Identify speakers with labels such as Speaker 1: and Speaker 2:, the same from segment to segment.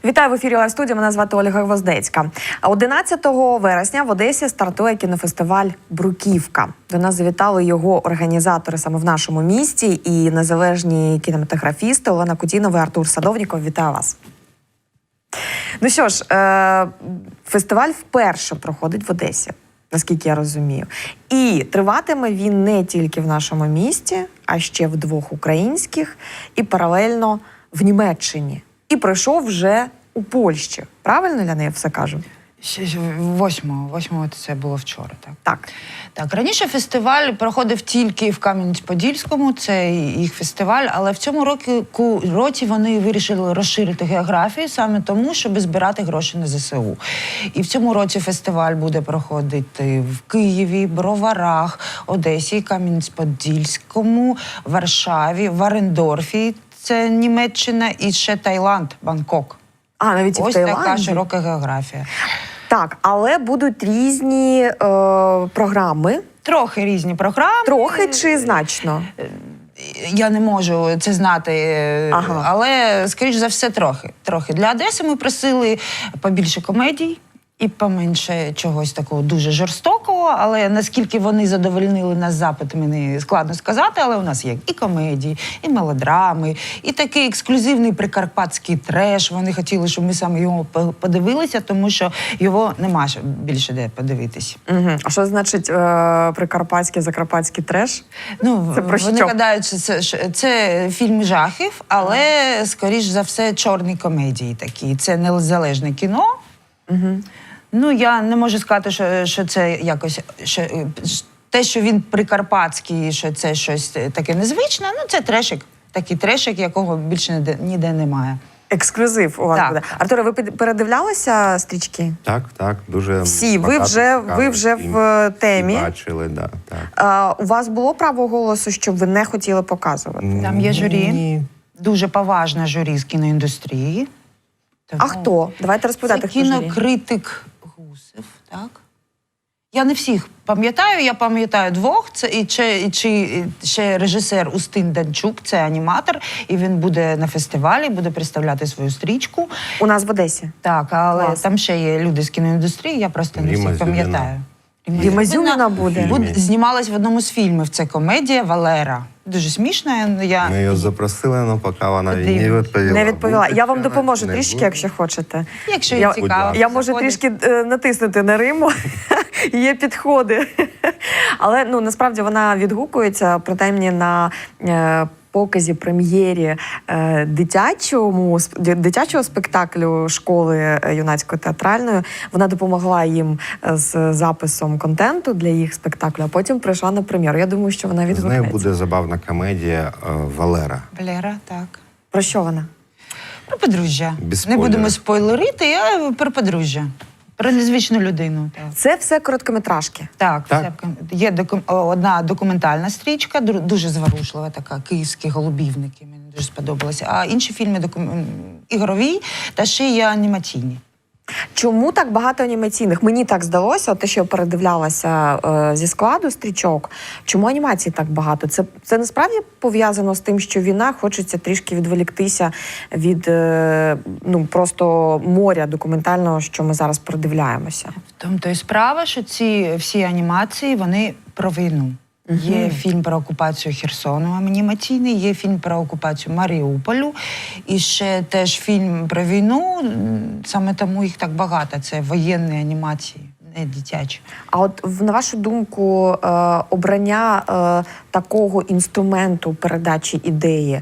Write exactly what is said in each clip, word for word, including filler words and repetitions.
Speaker 1: Вітаю в ефірі Лайв студія. Мене звати Ольга Гвоздецька. одинадцятого вересня в Одесі стартує кінофестиваль «Бруківка». До нас завітали його організатори саме в нашому місті і незалежні кінематографісти Олена Кутінова і Артур Садовніков. Вітаю вас. Ну що ж, е фестиваль вперше проходить в Одесі, наскільки я розумію. І триватиме він не тільки в нашому місті, а ще в двох українських і паралельно в Німеччині. І пройшов вже у Польщі. Правильно, Ляна, я все кажу?
Speaker 2: Восьмого. Восьмого це було вчора, так?
Speaker 1: Так.
Speaker 2: Так, раніше фестиваль проходив тільки в Кам'янець-Подільському, це їх фестиваль, але в цьому році, році вони вирішили розширити географію саме тому, щоб збирати гроші на зе се у. І в цьому році фестиваль буде проходити в Києві, Броварах, Одесі, Кам'янець-Подільському, Варшаві, Варендорфі, це Німеччина, і ще Таїланд, Бангкок.
Speaker 1: А, навіть і в
Speaker 2: Ось
Speaker 1: Таїланді?
Speaker 2: така широка географія.
Speaker 1: Так, але будуть різні е, програми.
Speaker 2: Трохи різні програми.
Speaker 1: Трохи чи значно?
Speaker 2: Я не можу це знати,
Speaker 1: ага.
Speaker 2: але, скоріш за все, трохи. трохи. Для Одеси ми просили побільше комедій і поменше чогось такого дуже жорстокого, але наскільки вони задовольнили нас запит, мені складно сказати, але у нас є і комедії, і мелодрами, і такий ексклюзивний прикарпатський треш. Вони хотіли, щоб ми саме його подивилися, тому що його нема більше де подивитись.
Speaker 1: Угу. А що значить е прикарпатський, закарпатський треш?
Speaker 2: Ну,
Speaker 1: це про
Speaker 2: вони
Speaker 1: що?
Speaker 2: гадають, що це, це фільм жахів, але, скоріш за все, чорні комедії такі. Це незалежне кіно.
Speaker 1: Угу.
Speaker 2: Ну, я не можу сказати, що, що це якось, що, те, що він прикарпатський, що це щось таке незвичне, ну, це трешик, такий трешик, якого більше ніде, ніде немає.
Speaker 1: Ексклюзив у вас
Speaker 2: так.
Speaker 1: буде. Артуре, ви передивлялися стрічки?
Speaker 3: Так, так, дуже
Speaker 1: всі. Ви вже, ви вже в темі.
Speaker 3: Бачили, да, так.
Speaker 1: А, у вас було право голосу, щоб ви не хотіли показувати?
Speaker 2: Там є журі,
Speaker 3: Ні.
Speaker 2: дуже поважне журі з кіноіндустрії.
Speaker 1: Тому... А хто? Давайте розповідати,
Speaker 2: хто
Speaker 1: журі. Це
Speaker 2: кінокритик Гусев, так? Я не всіх пам'ятаю, я пам'ятаю двох. Це і ще, і, чи, ще режисер Устин Данчук, це аніматор, і він буде на фестивалі, буде представляти свою стрічку.
Speaker 1: У нас в Одесі?
Speaker 2: Так, але
Speaker 1: Клас.
Speaker 2: Там ще є люди з кіноіндустрії, я просто не
Speaker 3: Ріма
Speaker 2: всіх пам'ятаю.
Speaker 1: Ріма Зюміна буде?
Speaker 2: буде. Знімалась в одному з фільмів, це комедія «Валера». Дуже смішна. Я...
Speaker 3: Ми її запросили, але поки вона не відповіла.
Speaker 1: Не відповіла.
Speaker 3: Буде
Speaker 1: Я вам
Speaker 3: вона,
Speaker 1: допоможу
Speaker 3: не
Speaker 1: трішки,
Speaker 3: буде.
Speaker 1: якщо хочете.
Speaker 2: Якщо
Speaker 1: я,
Speaker 2: їй цікаво.
Speaker 1: Я можу
Speaker 2: заходить.
Speaker 1: трішки е, натиснути на Риму. Є підходи. Але ну, насправді вона відгукується, принаймні на е, показі, прем'єрі е, дитячому, дитячого спектаклю школи юнацької театральної. Вона допомогла їм з записом контенту для їх спектаклю, а потім прийшла на прем'єру. Я думаю, що вона
Speaker 3: З
Speaker 1: відгукнеться.
Speaker 3: нею буде забавна комедія е, «Валера».
Speaker 2: Валера, так.
Speaker 1: Про що вона?
Speaker 2: Про подружжя.
Speaker 3: Без
Speaker 2: Не будемо
Speaker 3: спойлерів.
Speaker 2: спойлерити, а про подружжя. Про незвичну людину. Так,
Speaker 1: Це все короткометражки?
Speaker 2: так,
Speaker 3: Так.
Speaker 2: Це, є доку, одна документальна стрічка, дуже зворушлива така, «Київські голубівники», мені дуже сподобалося. А інші фільми докум... ігрові та ще є анімаційні.
Speaker 1: Чому так багато анімаційних? Мені так здалося, те, що я передивлялася е, зі складу стрічок. Чому анімацій так багато? Це, це насправді пов'язано з тим, що війна, хочеться трішки відволіктися від е, ну, просто моря документального, що ми зараз передивляємося.
Speaker 2: В тому то і справа, що ці всі анімації, вони про війну. Uh-huh. Є фільм про окупацію Херсону анімаційний, є фільм про окупацію Маріуполю, і ще теж фільм про війну, саме тому їх так багато, це воєнні анімації, не дитячі.
Speaker 1: А от, на вашу думку, е, обрання е, такого інструменту передачі ідеї,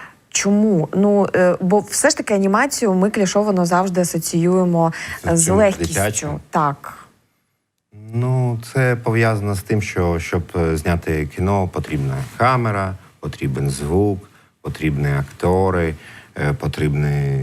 Speaker 1: чому? Ну, е, бо все ж таки анімацію ми клішовано завжди асоціюємо з
Speaker 3: Чим?
Speaker 1: легкістю.
Speaker 3: Дитячу?
Speaker 1: Так.
Speaker 3: Ну, це пов'язано з тим, що щоб зняти кіно, потрібна камера, потрібен звук, потрібні актори, потрібні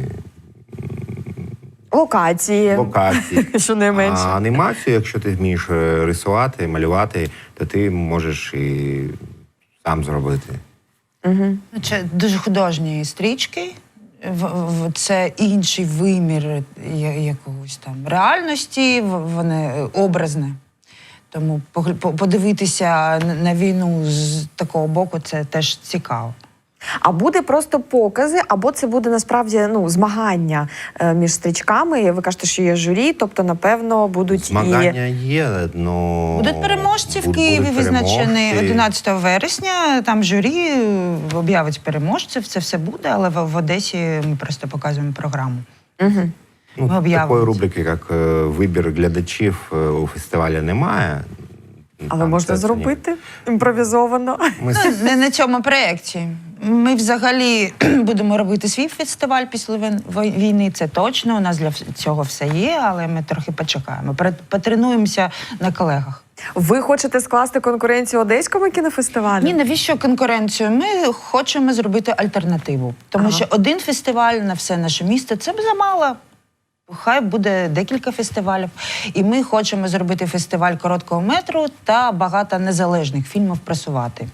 Speaker 1: Локації.
Speaker 3: локації.
Speaker 1: Що не менше.
Speaker 3: А анімацію, якщо ти вмієш рисувати, малювати, то ти можеш і сам зробити.
Speaker 1: Угу.
Speaker 2: Це дуже художні стрічки, це інший вимір якогось там реальності, вони образне. Тому подивитися на війну з такого боку – це теж цікаво.
Speaker 1: А буде просто покази, або це буде насправді ну, змагання е, між стрічками. Ви кажете, що є журі, тобто, напевно, будуть
Speaker 3: Змагання
Speaker 1: і...
Speaker 3: є, но...
Speaker 2: Будуть переможці в
Speaker 3: Буд-
Speaker 2: Києві,
Speaker 3: будуть
Speaker 2: визначені
Speaker 3: переможці.
Speaker 2: одинадцятого вересня. Там журі об'явить переможців, це все буде, але в, в Одесі ми просто показуємо програму.
Speaker 1: Угу.
Speaker 3: Ну,
Speaker 2: Ми об'явимо
Speaker 3: такої
Speaker 2: це.
Speaker 3: рубрики, як е, вибір глядачів е, у фестивалі немає.
Speaker 1: Але
Speaker 3: Там
Speaker 1: можна
Speaker 3: це- це ні.
Speaker 1: зробити імпровізовано.
Speaker 3: Ми
Speaker 2: Ну, не на цьому проєкті. Ми взагалі будемо робити свій фестиваль після вин- вой- війни, це точно. У нас для вс- цього все є, але ми трохи почекаємо. Пре- Потренуємося на колегах.
Speaker 1: Ви хочете скласти конкуренцію Одеському кінофестивалю?
Speaker 2: Ні, навіщо конкуренцію? Ми хочемо зробити альтернативу. Тому
Speaker 1: Ага.
Speaker 2: що один фестиваль на все наше місто – це б замало. Хай буде декілька фестивалів. І ми хочемо зробити фестиваль короткого метру та багато незалежних фільмів просувати.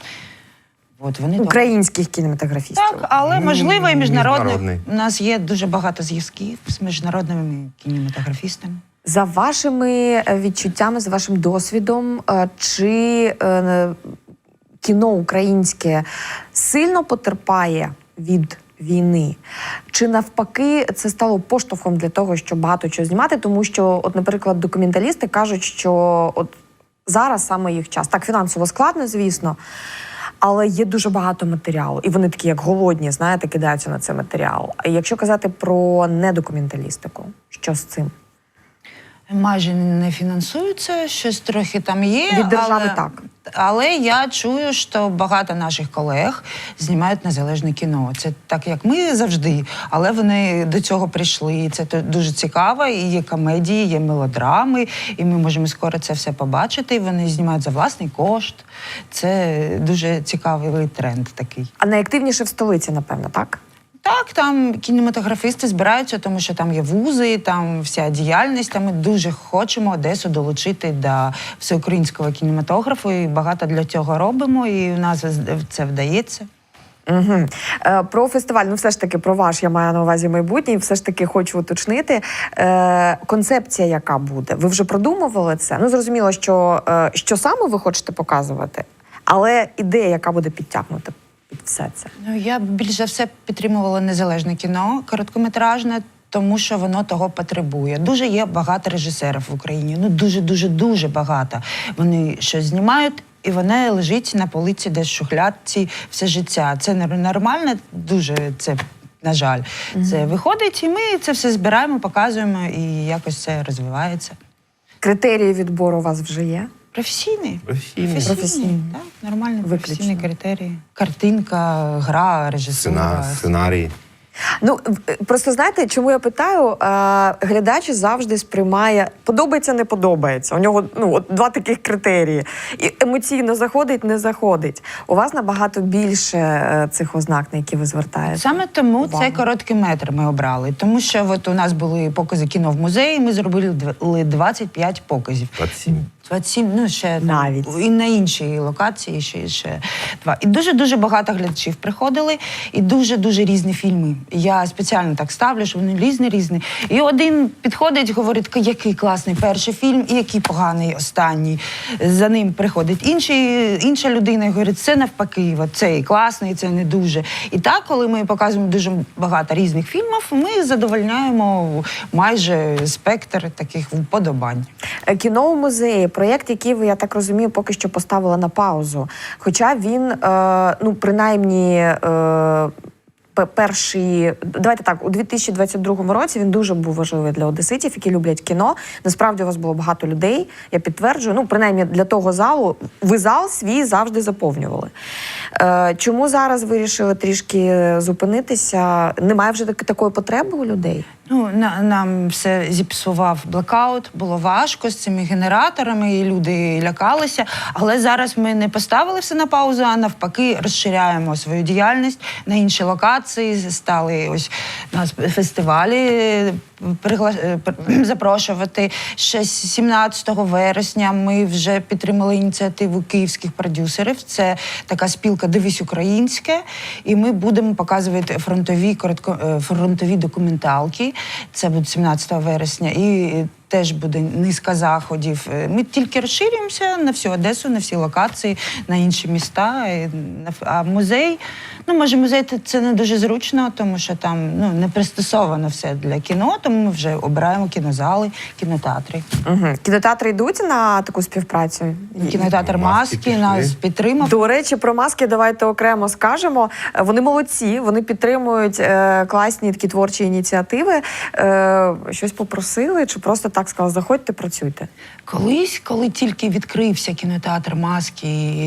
Speaker 2: От вони
Speaker 1: Українських кінематографістів.
Speaker 2: Так, але
Speaker 3: Ну,
Speaker 2: можливо і міжнародних.
Speaker 3: міжнародний.
Speaker 2: У нас є дуже багато зв'язків з міжнародними кінематографістами.
Speaker 1: За вашими е, відчуттями, за вашим досвідом, е, чи е, кіно українське сильно потерпає від війни? Чи навпаки це стало поштовхом для того, щоб багато чого знімати? Тому що, от, наприклад, документалісти кажуть, що от зараз саме їх час. Так, фінансово складно, звісно, але є дуже багато матеріалу. І вони такі, як голодні, знаєте, кидаються на цей матеріал. А якщо казати про недокументалістику, що з цим?
Speaker 2: Майже не фінансуються, щось трохи там є.
Speaker 1: Від держави
Speaker 2: але,
Speaker 1: так.
Speaker 2: Але я чую, що багато наших колег знімають незалежне кіно. Це так, як ми завжди, але вони до цього прийшли. І це то- дуже цікаво. І є комедії, є мелодрами, і ми можемо скоро це все побачити. І вони знімають за власний кошт. Це дуже цікавий тренд такий.
Speaker 1: А найактивніше в столиці, напевно, так?
Speaker 2: Так, там кінематографісти збираються, тому що там є вузи, там вся діяльність. Там ми дуже хочемо Одесу долучити до всеукраїнського кінематографу, і багато для цього робимо, і у нас це вдається.
Speaker 1: Угу. Е, про фестиваль, ну все ж таки про ваш, я маю на увазі майбутнє, все ж таки хочу уточнити. Е, концепція яка буде? Ви вже продумували це? Ну, зрозуміло, що, е, що саме ви хочете показувати, але ідея, яка буде підтягнута під все це?
Speaker 2: Ну, я б більш за все підтримувала незалежне кіно, короткометражне, тому що воно того потребує. Дуже є багато режисерів в Україні, ну дуже-дуже-дуже багато. Вони щось знімають, і воно лежить на полиці десь в шухлядці все життя. Це не- нормально, дуже це, на жаль. Mm-hmm. Це виходить, і ми це все збираємо, показуємо, і якось це розвивається.
Speaker 1: Критерії відбору у вас вже є?
Speaker 2: Професійний.
Speaker 3: Професійний.
Speaker 1: Професійний.
Speaker 2: Так, нормальні
Speaker 1: Виключно.
Speaker 2: професійні критерії. Картинка, гра, режисура.
Speaker 3: Сцена- Сценарій.
Speaker 1: Ну, в- просто знаєте, чому я питаю? Е, глядач завжди сприймає подобається, не подобається. У нього ну, от два таких критерії. І емоційно заходить, не заходить. У вас набагато більше е, цих ознак, на які ви звертаєте.
Speaker 2: Саме тому
Speaker 1: увагу.
Speaker 2: цей короткий метр ми обрали. Тому що от у нас були покази кіно в музеї, ми зробили дв- двадцять п'ять показів.
Speaker 3: двадцять сім.
Speaker 2: двадцять сім, ну ще там,
Speaker 1: Навіть.
Speaker 2: і на іншій локації ще, ще два. І дуже-дуже багато глядачів приходили, і дуже-дуже різні фільми. Я спеціально так ставлю, що вони різні-різні. І один підходить, говорить, який класний перший фільм, і який поганий останній. За ним приходить інший, інша людина і говорить, це навпаки, от цей класний, це не дуже. І так, коли ми показуємо дуже багато різних фільмів, ми задовольняємо майже спектр таких вподобань.
Speaker 1: Е, Кіно у музеї, проєкт, який ви, я так розумію, поки що поставили на паузу. Хоча він, е, ну, принаймні, е, пе- перший, давайте так, у дві тисячі двадцять другому році він дуже був важливий для одеситів, які люблять кіно. Насправді у вас було багато людей, я підтверджую. Ну, принаймні для того залу, ви зал свій завжди заповнювали. Е, чому зараз вирішили трішки зупинитися? Немає вже так- такої потреби у людей?
Speaker 2: Ну, на, нам все зіпсував блекаут, було важко з цими генераторами, і люди лякалися. Але зараз ми не поставили все на паузу, а навпаки розширяємо свою діяльність на інші локації, стали ось нас фестивалі пригла... пр- запрошувати. Ще сімнадцятого вересня ми вже підтримали ініціативу київських продюсерів. Це така спілка «Дивись українське», і ми будемо показувати фронтові, коротко... е, фронтові документалки. Це буде сімнадцятого вересня. І теж буде низка заходів. Ми тільки розширюємося на всю Одесу, на всі локації, на інші міста. А музей, ну, може, музей це не дуже зручно, тому що там ну, не пристосовано все для кіно, тому ми вже обираємо кінозали, кінотеатри.
Speaker 1: Угу. Кінотеатри йдуть на таку співпрацю?
Speaker 2: Кінотеатр
Speaker 3: Маски
Speaker 2: «Маски»
Speaker 3: пішли.
Speaker 2: нас підтримав.
Speaker 1: До речі, про маски давайте окремо скажемо. Вони молодці, вони підтримують е, класні такі творчі ініціативи. Е, щось попросили чи просто так сказали, заходьте, працюйте?
Speaker 2: Колись, коли тільки відкрився кінотеатр «Маски»,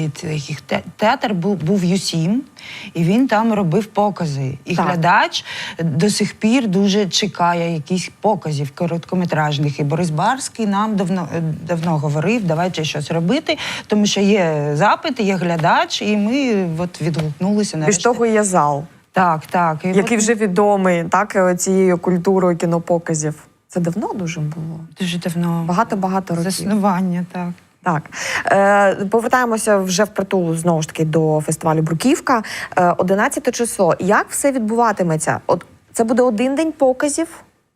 Speaker 2: їх те- театр був, був ю сім, і він там робив покази. І
Speaker 1: Так.
Speaker 2: глядач до сих пір дуже чекає якісь показів короткометражних. І Борис Барський нам давно, давно говорив, давайте щось робити, тому що є запит, є глядач, і ми от відгукнулися
Speaker 1: Більш
Speaker 2: нарешті.
Speaker 1: того, є зал,
Speaker 2: Так, так. І
Speaker 1: який
Speaker 2: от
Speaker 1: вже відомий так, цією культурою кінопоказів. Це давно дуже було?
Speaker 2: дуже давно.
Speaker 1: Багато-багато років.
Speaker 2: Заснування, так.
Speaker 1: Так. Е, повертаємося вже впритул, знову ж таки, до фестивалю «Бруківка». Е, одинадцяте число. Як все відбуватиметься? От це буде один день показів,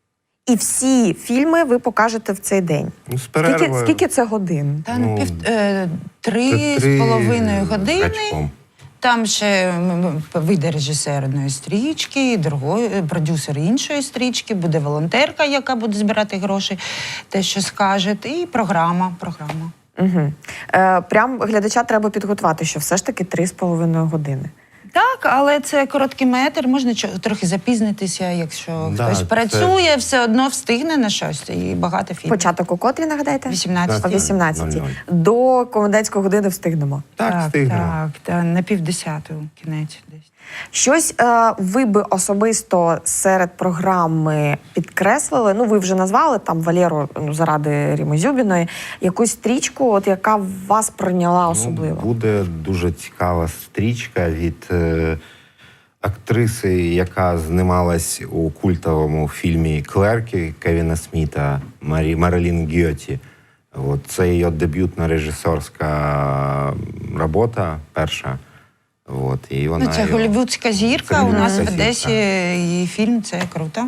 Speaker 1: і всі фільми ви покажете в цей день.
Speaker 3: Ну, з
Speaker 1: Скільки,
Speaker 3: перервою.
Speaker 1: скільки це годин?
Speaker 2: Та
Speaker 3: Ну,
Speaker 2: ну, пів, е, три
Speaker 3: Це
Speaker 2: з половиною години.
Speaker 3: гачком.
Speaker 2: Там ще м, м, вийде режисер одної стрічки, другої, е, продюсер іншої стрічки, буде волонтерка, яка буде збирати гроші, те, що скаже, і програма. програма.
Speaker 1: Угу. Е, прям глядача треба підготувати, що все ж таки три з половиною години.
Speaker 2: Так, але це короткий метр, можна чо- трохи запізнитися, якщо
Speaker 3: Да,
Speaker 2: хтось
Speaker 3: це-
Speaker 2: працює, все одно встигне на щось, і багато фільмів.
Speaker 1: Початок у котрі, нагадайте?
Speaker 2: вісімнадцять.
Speaker 1: О вісімнадцятій.
Speaker 3: нуль нуль.
Speaker 1: До комендантської години встигнемо.
Speaker 3: Так, встигнемо.
Speaker 2: Так, та, на півдесяту кінець десь.
Speaker 1: Щось е, ви би особисто серед програми підкреслили, ну ви вже назвали там Валєру, ну, заради Ріми Зюбіної, якусь стрічку, от яка вас прийняла особливо?
Speaker 3: Ну, буде дуже цікава стрічка від е, актриси, яка знімалась у культовому фільмі «Клерки» Кевіна Сміта, Марі, Марилін Гьоті. От, це її дебютна режисерська робота, перша. От, і вона
Speaker 2: Ну, це
Speaker 3: його-
Speaker 2: голлівудська зірка.
Speaker 3: Це
Speaker 2: У нас в
Speaker 3: голлівудська
Speaker 2: Одесі
Speaker 3: зірка.
Speaker 2: її фільм, це круто.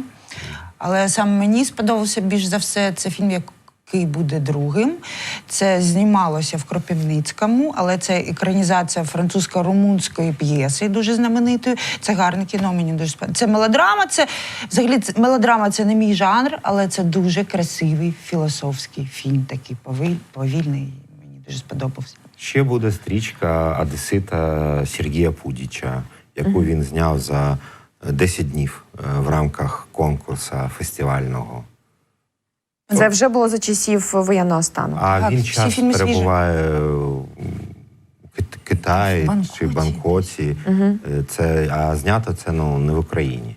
Speaker 2: Але саме мені сподобався більш за все, це фільм, який буде другим. Це знімалося в Кропивницькому, але це екранізація французько-румунської п'єси, дуже знаменитої. Це гарне кіно, мені дуже сподобається. Це мелодрама, це взагалі це, мелодрама це не мій жанр, але це дуже красивий філософський фільм, такий повиль, повільний. Мені дуже сподобався.
Speaker 3: Ще буде стрічка одесита Сергія Пудіча, яку він зняв за десять днів е, в рамках конкурсу фестивального.
Speaker 1: Це вже було за часів воєнного стану.
Speaker 3: А
Speaker 2: Так,
Speaker 3: він
Speaker 2: всі
Speaker 3: час
Speaker 2: фільми свіжі.
Speaker 3: перебуває у Кит- Китаї
Speaker 2: Бангкоці.
Speaker 3: чи Бангкоці. Е, Це, а знято це ну, не в Україні.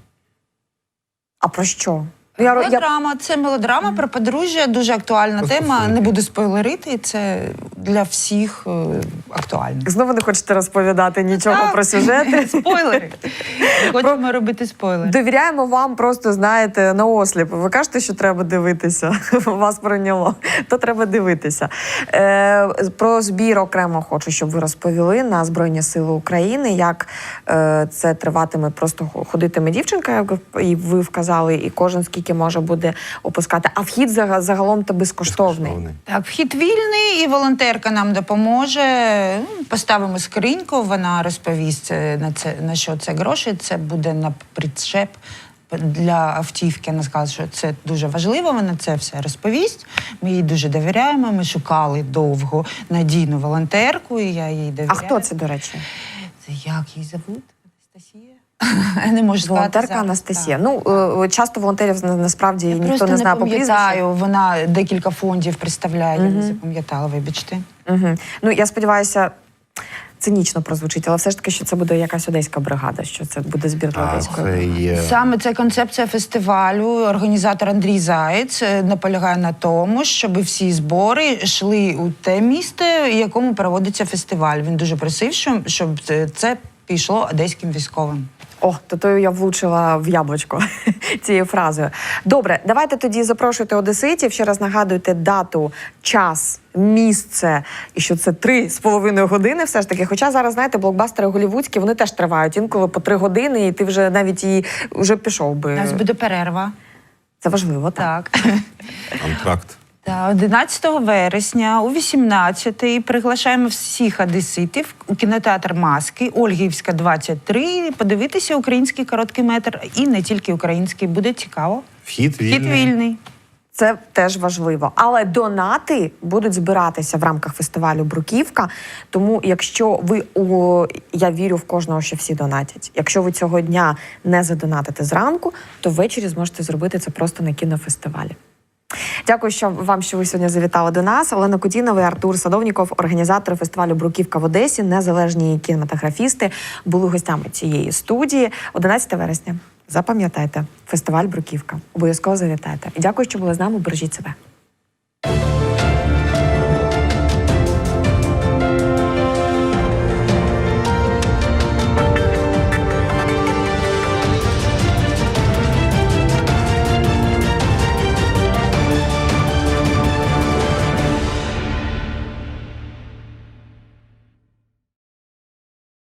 Speaker 1: А про що? Ну, я, я...
Speaker 2: Мелодрама, це мелодрама про подружжя, дуже актуальна
Speaker 3: Про
Speaker 2: тема.
Speaker 3: стосунки.
Speaker 2: Не буду спойлерити, це для всіх е, актуально.
Speaker 1: Знову не хочете розповідати нічого
Speaker 2: Так.
Speaker 1: про сюжети.
Speaker 2: Спойлери. Хочемо робити спойлери.
Speaker 1: Довіряємо вам просто, знаєте, на осліп. Ви кажете, що треба дивитися. Вас прийняло. То треба дивитися. Е, про збір окремо хочу, щоб ви розповіли на Збройні Сили України, як е, це триватиме, просто ходитиме дівчинка, як і ви вказали, і кожен скільки може буде опускати. А вхід зага- загалом то безкоштовний.
Speaker 3: Безкоштовний.
Speaker 2: Так, вхід вільний, і волонтерка нам допоможе. Ну, Поставимо скриньку, вона розповість е, на це на що це гроші. Це буде на причеп для автівки. Вона сказала, що це дуже важливо. Вона це все розповість. Ми їй дуже довіряємо. Ми шукали довго надійну волонтерку, і я їй довіряю.
Speaker 1: А хто це, до речі?
Speaker 2: Це як її зовут? Анастасія? Я не можу сказати.
Speaker 1: Волонтерка
Speaker 2: зараз.
Speaker 1: Анастасія.
Speaker 2: Так.
Speaker 1: Ну, е, часто волонтерів на- насправді
Speaker 2: Я
Speaker 1: ніхто
Speaker 2: просто
Speaker 1: не
Speaker 2: не
Speaker 1: знає по прізвищу.
Speaker 2: пам'ятаю, вона декілька фондів представляє, я не запам'ятала, вибачте.
Speaker 1: Угу. Ну, я сподіваюся, цинічно прозвучить, але все ж таки, що це буде якась одеська бригада, що це буде збір для
Speaker 3: А
Speaker 1: одеської
Speaker 3: це
Speaker 1: бригади.
Speaker 3: є
Speaker 2: Саме це концепція фестивалю. Організатор Андрій Заєць е, наполягає на тому, щоб всі збори йшли у те місто, в якому проводиться фестиваль. Він дуже просив, щоб, щоб це- це пішло одеським військовим.
Speaker 1: О, то то я влучила в яблучко цією фразою. Добре, давайте тоді запрошуйте одеситів. Ще раз нагадуйте дату, час, місце, і що це три з половиною години все ж таки. Хоча зараз, знаєте, блокбастери голлівудські, вони теж тривають інколи по три години, і ти вже навіть і вже пішов
Speaker 2: У
Speaker 1: би.
Speaker 2: нас буде перерва.
Speaker 1: Це важливо, так.
Speaker 2: Так.
Speaker 3: Контракт.
Speaker 2: Та одинадцятого вересня о вісімнадцятій приглашаємо всіх одеситів у кінотеатр «Маски», Ольгівська, двадцять три, подивитися український короткий метр. І не тільки український, буде цікаво.
Speaker 3: Вхід вільний.
Speaker 2: Вхід вільний.
Speaker 1: Це теж важливо. Але донати будуть збиратися в рамках фестивалю «Бруківка». Тому якщо ви, о, я вірю в кожного, що всі донатять. Якщо ви цього дня не задонатите зранку, то ввечері зможете зробити це просто на кінофестивалі. Дякую, що вам, що ви сьогодні завітали до нас. Олена Кудінова і Артур Садовніков, організатори фестивалю «Бруківка» в Одесі, незалежні кінематографісти, були гостями цієї студії. одинадцятого вересня. Запам'ятайте, фестиваль «Бруківка». Обов'язково завітайте. І дякую, що були з нами. Бережіть себе.